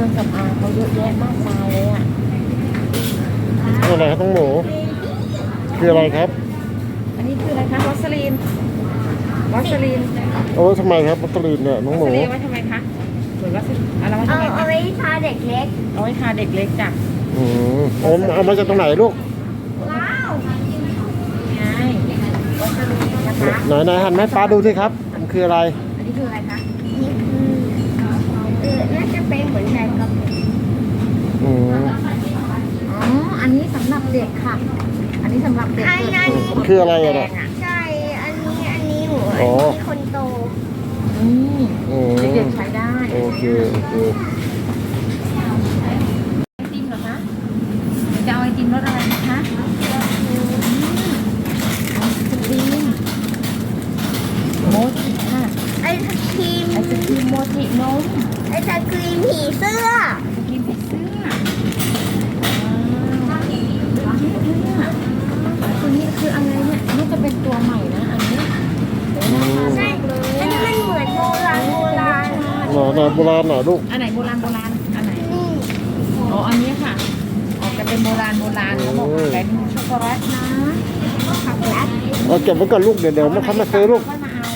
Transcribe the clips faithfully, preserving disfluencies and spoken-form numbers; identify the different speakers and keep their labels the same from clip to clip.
Speaker 1: รื่องสำอางเขาเยอะแยะมากมายเลยอ่ะ
Speaker 2: อะไรครับน้องหมูคืออะไรครับ
Speaker 1: อันนี้คืออะไรคะวัสลีนวัสลีน
Speaker 2: เอาไว้ทำไมครับวัสลีนเนี่ยน้องหมู
Speaker 1: วัสลีนไว้ทำไมคะเหมือนวัสลีนอะไรไว้ทำไมคะ
Speaker 3: เอาไว้ทาเด็กเล็ก
Speaker 1: เอาไว้ทาเด็กเล็กจ้ะ
Speaker 2: อืมเอาเอามาจากตรงไหนลูก
Speaker 3: ว้าว
Speaker 1: ไงวัสลีนนะคะ
Speaker 2: ไหนไหนหันให้ป้าดูสิครับมันคืออะไร
Speaker 1: อันนี้คืออะไรคะ
Speaker 3: นี่คือเออน่าจะเป็นเหมือนแบงกับ
Speaker 2: อืม
Speaker 1: อ๋ออันนี้สำหรับเด็กค่ะอันนี้สำหรับเด็ก
Speaker 3: อันนี้
Speaker 2: คืออะไรอะ
Speaker 3: ใช่อันนี้อันนี้หนูอันนี้คนโต
Speaker 1: อืมเด็กๆใช้ได้
Speaker 2: โอเคโอเค
Speaker 1: ไอติมเหรอคะจะเอาไอติมรสอะไรนะคะไอศครีมโมจิค่ะ
Speaker 3: ไอศครีม
Speaker 1: ไอศครีมโมจินม
Speaker 3: ไอศครีมผีเสื้อ
Speaker 1: ไอศครีมผีเสื้อตัวนี้คืออะไรเนี่ยนี่จะเป็นตัวใหม่นะอันนี้
Speaker 3: ใช่อันนี้มันเหมือนโบราณโบราณ
Speaker 2: หน่อหน่อโบราณหน่อลูก
Speaker 1: อันไหนโบราณโบราณอันไหนอ๋ออันนี้ค่ะออกจะเป็นโบราณโบราณเขาบอกเป็นช็อกโกแลตนะช็อกโกแลต
Speaker 2: เอาเก็บไว้ก่อนลูกเดี๋ยวเดี๋ยวมาคั้นมาซื้อลูก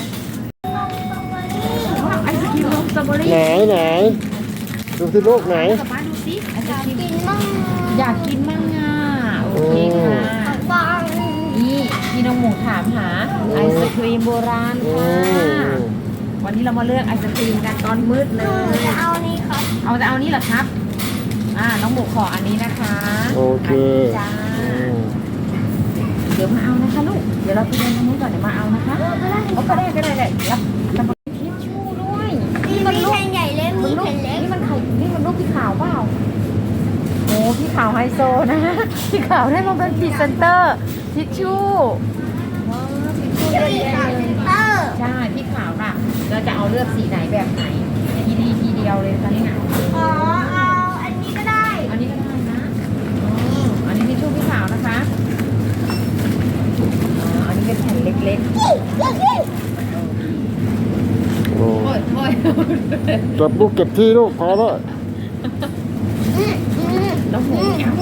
Speaker 1: ไอศครีมรสสตรอเบอรี่
Speaker 2: ไหนไหนดูสิลูกไหน
Speaker 1: ป้าดูสิไอศครีม
Speaker 3: กินมั่ง
Speaker 1: อยากกินมั่งอ่ะโอเคค่ะนี่พี่น้องหมูถามหาไอศครีมโบราณค่ะวันนี้เรามาเลือกไอศครีมกันตอนมืดเลย
Speaker 3: จะเอานี้ครับ
Speaker 1: เอาจะเอานี้เหรอครับอ่าน้องหมูขออันนี้นะคะ
Speaker 2: โอเค
Speaker 1: จ้าเดี๋ยวมาเอานะคะลูกเดี๋ยวเราไปเดินตรงนู้นก่อนเดี๋ยวมาเอานะคะเอาก็ได้ก็ได้เลยรับรับทิชชู่ด้วย
Speaker 3: นี่มันลูกใหญ่เล็กมีแผ่นเล็ก
Speaker 1: นี่มันไข่นี่มันลูกพี่ขาวเปล่าโอ้พี่ขาวไฮโซนะพี่ขาวได้มาเป็นพรีเซนเตอร์ทิชชู่ว้าวทิชชู่เยอะแยะเลยใช่พี่ขาวน่ะเราจะเอาเลือกสีไหนแบบไหนทีดีทีเดียวเลยค่ะนี่
Speaker 3: อ๋อเอาอันนี้ก็ได้
Speaker 1: อันนี้ก็ได้นะอันนี้ทิชชู่พี่ขาวนะคะอันนี้เป็นแผ่นเล็กๆโอ้ยโอ้ย
Speaker 2: จับลูกเก็บที่ลูกพอแล้ว
Speaker 1: แล้วหมู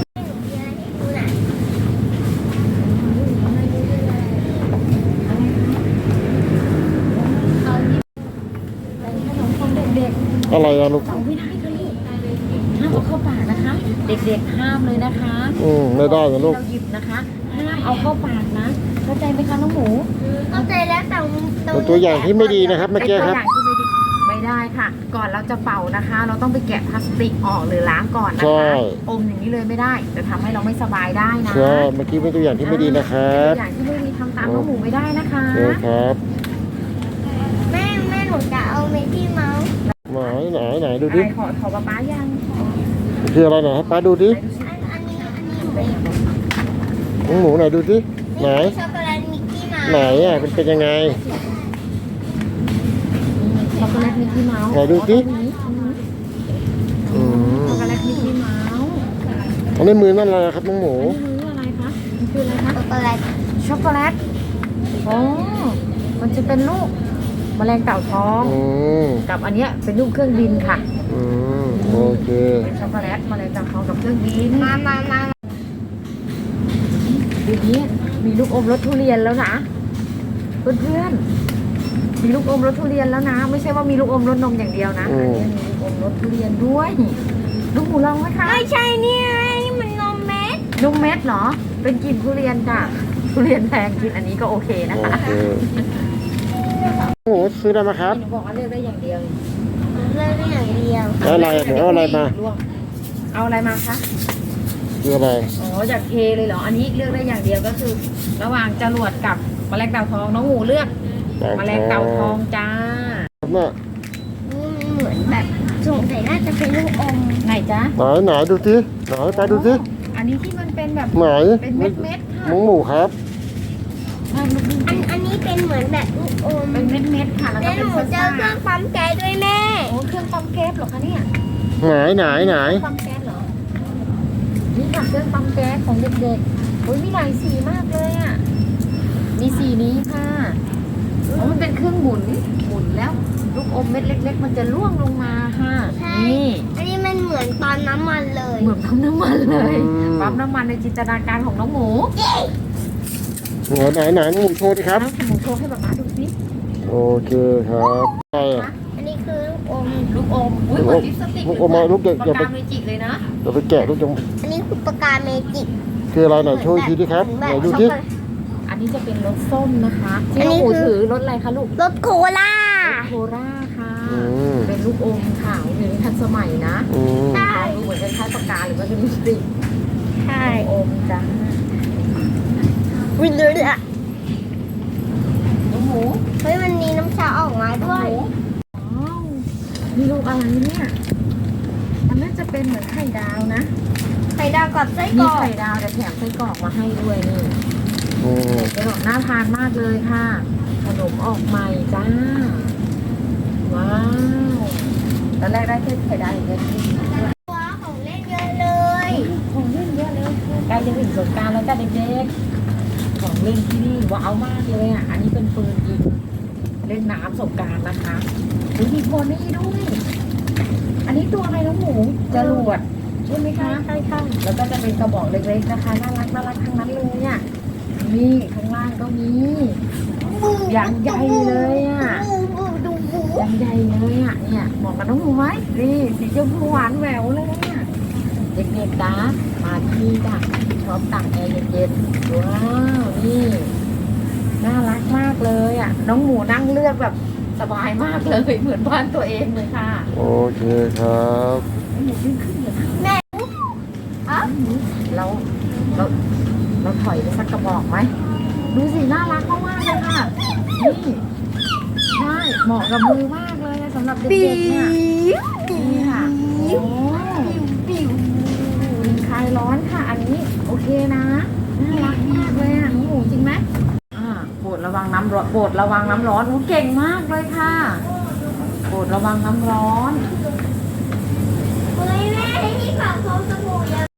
Speaker 2: อะไรอะลูก
Speaker 1: เอาไม่ได้ค่ะลูกห้ามเอาเข้าปากนะคะ เด็กๆห้ามเลยนะคะ
Speaker 2: อืมไม่ได้นะลูก
Speaker 1: เราหยิบนะคะห้ามเอาเข้าปากนะเข้าใจไหมคะน้องหมู
Speaker 3: เข้าใจแล้วแต่
Speaker 2: เป็นตัวอย่างที่ไม่ดีนะครับเมื่อกี้ครับ
Speaker 1: ไม่ได้ค่ะก่อนเราจะเป่านะคะ เราต้องไปแกะพลาสติกออกหรือล้างก่อนนะ
Speaker 2: คะ
Speaker 1: อมอย่างนี้เลยไม่ได้จะทำให้เราไม่สบายได้นะ
Speaker 2: ใช่เมื่อกี้เป็นตัวอย่างที่ไม่ดีนะครับ
Speaker 1: ตัวอย่างที่ไม่ดีทำตามน้องหมูไม่ได้นะคะ
Speaker 2: ใช่ครับ
Speaker 3: แม่แม่หนูจะเอาเมกี้เมาส์
Speaker 2: ไหนไหนไหนดูดิ
Speaker 1: ขอขอป้าป้ายัง
Speaker 2: คืออะไรไหนให้ป้าดูดิ
Speaker 3: อันนี้อันนี้หนู
Speaker 2: น้องหมูไหนดูดิไหน
Speaker 3: ช็อกโกแลตมิกกี้เมาส์
Speaker 2: ไหนอ่ะเป็นเป็นยังไง
Speaker 1: ช็อกโกแลตมิกกี้เมาส์
Speaker 2: ไหนดูดิ
Speaker 1: ช็อกโกแลตมิกกี้เมาส์
Speaker 2: อันนี้มือนั่นอะไรครับน้องหมู
Speaker 1: มืออะไรคะมันคืออะไรคะ
Speaker 3: ช็อกโกแลต
Speaker 1: ช็อกโกแลตโอ้มันจะเป็นลูกแมลงเต่าทองกับอันเนี้ยเป็นลูกเครื่องบินค่ะ
Speaker 2: อืมโอเค
Speaker 1: เป็นช็อกโกแลตแมลงเต่าทองกับเครื่องบิน
Speaker 3: มามามา
Speaker 1: ดูนี้มีลูกอมรสทุเรียนแล้วนะเพื่อนๆมีลูกอมรสทุเรียนแล้วนะไม่ใช่ว่ามีลูกอมรสนมอย่างเดียวนะมีลูกอมรสทุเรียนด้วยลูกหมูลองไหมคะ
Speaker 3: ไม่ใช่เนี่ยนี่มันนมเม็ด
Speaker 1: นมเม็ดเหรอเป็นกลิ่นทุเรียนจ้ะทุเรียนแพงกินอันนี้ก็โอเคนะคะ
Speaker 2: โอ้โหซื้อได้ไหมครับ
Speaker 1: หนูบอกว่าเลือกได้อย่างเดียว
Speaker 3: เลือกได้อย่างเดียว
Speaker 2: เอาอะไรเอาอะไรมา
Speaker 1: เอาอะไรมาคะ
Speaker 2: คืออะไร
Speaker 1: อ๋อจากเทเลยเหรออันนี้เลือกได้อย่างเดียวก็คือ ระหว่างจรวดกับแมลงเต่าทองน้องหมูเลือกแมลงเต่าทองจ้า
Speaker 2: เนี่ย
Speaker 3: เหมือนแบบสงสัยน่าจะเป็นลูกอม
Speaker 1: ไหนจ้า
Speaker 2: ไหนไหนดูสิไหนไปดูสิ
Speaker 1: อันนี้ที่มันเป็นแบบ
Speaker 2: ไหน
Speaker 1: เป็นเม็ดเม็ดค่ะ
Speaker 2: น้องหมูครับ
Speaker 3: อันอันนี้เป็นเหมือนแบบลูกอม
Speaker 1: เป็นเม็ดเม็ดค่ะแล้วก็เป็น
Speaker 3: หนูเจอเครื่องปั๊มแก๊สด้วยแม่
Speaker 1: โอ้เครื่องปั๊มแก๊สเหรอคะเนี่ย
Speaker 2: ไหนไหนไหน
Speaker 1: ปั๊มแก๊สเหรอนี่ค่ะเครื่องปั๊มแก๊สของเด็กๆโอ้ยมีหลายสีมากเลยอ่ะมีสีนี้ค่ะอ๋อมันเป็นเครื่องหมุนหมุนแล้วลูกอมเม็ดเล็กๆมันจะล่วงลงมาค่ะ
Speaker 3: นี่อันนี้มันเหมือน
Speaker 1: เหมือนปั๊มน้ำมันเลย
Speaker 2: อืม
Speaker 1: ปั๊มน้ำมันในจินตนาการของน้องหมู
Speaker 2: ไหนไหนน้องหมูโชว์ดิครับ
Speaker 1: น้องหมูโชว์ให้ป๊าป๊าดูสิ
Speaker 2: โอเคครับใช่อะ
Speaker 3: อันนี้คือลูกอม
Speaker 1: ลูกอมอุ้ยเหมือนลิปสติก
Speaker 2: ลูกอมมาลูกเด็ก
Speaker 1: ปาก
Speaker 2: อย่าไป
Speaker 1: กาเมจิกเลยนะ
Speaker 2: เดี๋ยวไปแกะลูกจง
Speaker 3: อันนี้คือปากกาเมจิก
Speaker 2: คืออะไรไหนโชว์อีกทีดิครับไหนดูดิ
Speaker 1: อันนี้จะเป็นรสส้มนะคะที่
Speaker 3: อัน
Speaker 1: น้อง
Speaker 3: นี้
Speaker 1: หมู
Speaker 3: คือ
Speaker 1: ถือรสอะไรคะลูก
Speaker 3: รสโคล่า
Speaker 1: โคราค่ะ
Speaker 2: อืม
Speaker 1: เป็นลูกอมค่ะอยู่ในทันสมัยนะ
Speaker 2: อืม
Speaker 3: ใช่
Speaker 1: ดูเหมือนคล้ายๆปากกาหรือว่าเป็นลิปสติก
Speaker 3: ใช่
Speaker 1: อมจ้า
Speaker 3: วินเลยอ่ะ
Speaker 1: น้องหมู
Speaker 3: เฮ้ยมันมีน้ำชาออกมาด้วย
Speaker 1: ว้าวนี่ลูกอะไรเนี่ยมันน่าจะเป็นเหมือนไข่ดาวนะ
Speaker 3: ไข่ดาวกับไส้ก
Speaker 1: มี
Speaker 3: รอก
Speaker 1: ไข่ดาวแต่แถมไส้กรอกมาให้ด้วยนี่
Speaker 2: อืม
Speaker 1: ไส้กรอกน่าทานมากเลยค่ะ ขนมออกใหม่จ้า ว้าวตอนแรกได้แค่ไข่ดาวอย่างเดียว
Speaker 3: ว้าวของเล่นเยอะเลย
Speaker 1: ของเล่นเยอะเลยใกล้จะถึงสงกรานต์แล้วจ้าเด็กๆของเล่นที่นี่ว้าวมากเลยอ่ะ อันนี้เป็นปืนยิงเล่นน้ำสงกรานต์นะคะอุ๊ยมีโพนี่ด้วย อันนี้ตัวอะไรน้องหมูจรวดใช่ไหมคะ
Speaker 3: ใช่ใช่
Speaker 1: แล้วก็จะเป็นกระบอกเล็กๆนะคะ น่ารักน่ารักทั้งนั้นเลยอ่ะนี่ข้างล่างก็มีอย่างใหญ่เลยอ่ะ
Speaker 3: บูบูดูบู
Speaker 1: อย่างใหญ่เลยอ่ะเนี่ยเหมาะกับน้องหมูไหมนี่สีชมพูหวานแหววเลยเนี่ยเด็กๆนะมาที่นี่จ้ะชอบตักแอร์เย็นๆว้าวนี่น่ารักมากเลยอ่ะน้องหมูนั่งเลือกแบบสบายมากเลยเหมือนบ้านตัวเองเลยค่ะ
Speaker 2: โอเคครับ
Speaker 1: น้องหมูขึ้นขึ้นเลยค่ะ
Speaker 3: แม่อ๋อ
Speaker 1: เราเราเราถอยไปสักกระบอกไหมดูสิน่ารักมากๆเลยค่ะนี่ใช่เหมาะกับมือมากเลยสำหรับเด็กๆเนี่ยนี่ค่ะโอ้คลายร้อนค่ะ อันนี้โอเคนะน่ารักมากเลยอ่ะน้องหมูจริงไหมอ่าโปรดระวังน้ำร้อนโปรดระวังน้ำร้อนโอ้เก่งมากเลยค่ะโปรดระวังน้ำร้อน